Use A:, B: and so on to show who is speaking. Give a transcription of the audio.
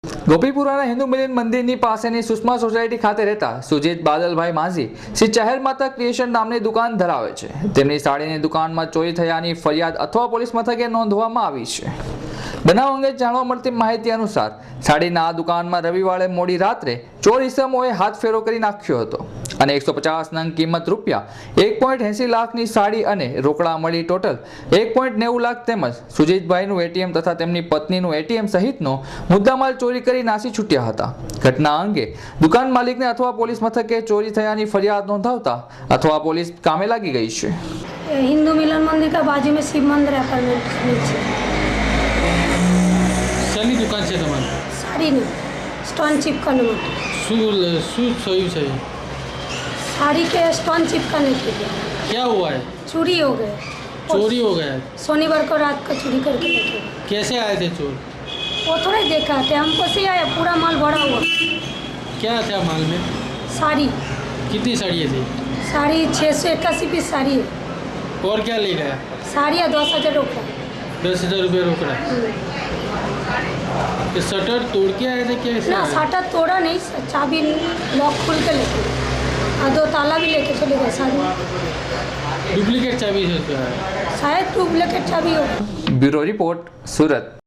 A: ગોપીપુરાના હિન્દુ મિલન મંદિરની પાસેની સુષ્મા સોસાયટી ખાતે રહેતા સુજીત બાદલભાઈ માઝી શ્રી ચહેર માતા ક્રિએશન નામની દુકાન ધરાવે છે। તેમની સાડીની દુકાનમાં ચોરી થયાની ફરિયાદ અથવા પોલીસ મથકે નોંધવામાં આવી છે। બનાવ અંગે જાણવા મળતી માહિતી અનુસાર સાડીના આ દુકાનમાં રવિવારે મોડી રાત્રે ચોર ઇસમોએ હાથ ફેરો કરી નાખ્યો હતો અને 150 નંગ કિંમત રૂપિયા 1.80 લાખની સાડી અને રોકડા મળી ટોટલ 1.90 લાખ તેમજ સુજીતભાઈનું એટીએમ તથા તેમની પત્નીનું એટીએમ સહિતનો મુદ્દામાલ ચોરી કરી નાસી છૂટ્યા હતા। ઘટના અંગે દુકાન માલિકને અથવા પોલીસ મથકે ચોરી થયાની ફરિયાદ નોંધાવતા અથવા પોલીસ કામે લાગી ગઈ છે।
B: हिंदू मिलन मंदिर का बाजू में शिव मंदिर अपार्टमेंट नीचे
C: શાની દુકાન છે તમારી?
B: साड़ी नहीं स्टोन चिपकाने में
C: શું થયું છે?
B: साड़ी के स्टोन चिपकाने के लिए
C: क्या हुआ है?
B: चोरी हो गए।
C: चोरी हो गया है।
B: शनिवार को रात को चोरी करके लेके गए।
C: कैसे आए थे चोर?
B: वो थोड़ा ही देखा थे, हमको से आया पूरा माल भरा हुआ।
C: क्या था माल में?
B: साड़ी
C: कितनी साड़ियाँ थी?
B: साड़ी 681 पीस साड़ी है।
C: और क्या ले गया?
B: साड़ियाँ 10,000 रोकड़ा।
C: 10,000 रुपये रोकड़ा। तो शटर तोड़ के आए थे कैसे?
B: ना साटा तोड़ा नहीं, चाबी लॉक खोल के लेके गए और 2 ताला भी लेके चले गए। साड़ी
C: डुप्लीकेट चाबी से तो आया।
B: शायद डुप्लीकेट चाबी हो।
A: Bureau report, Surat.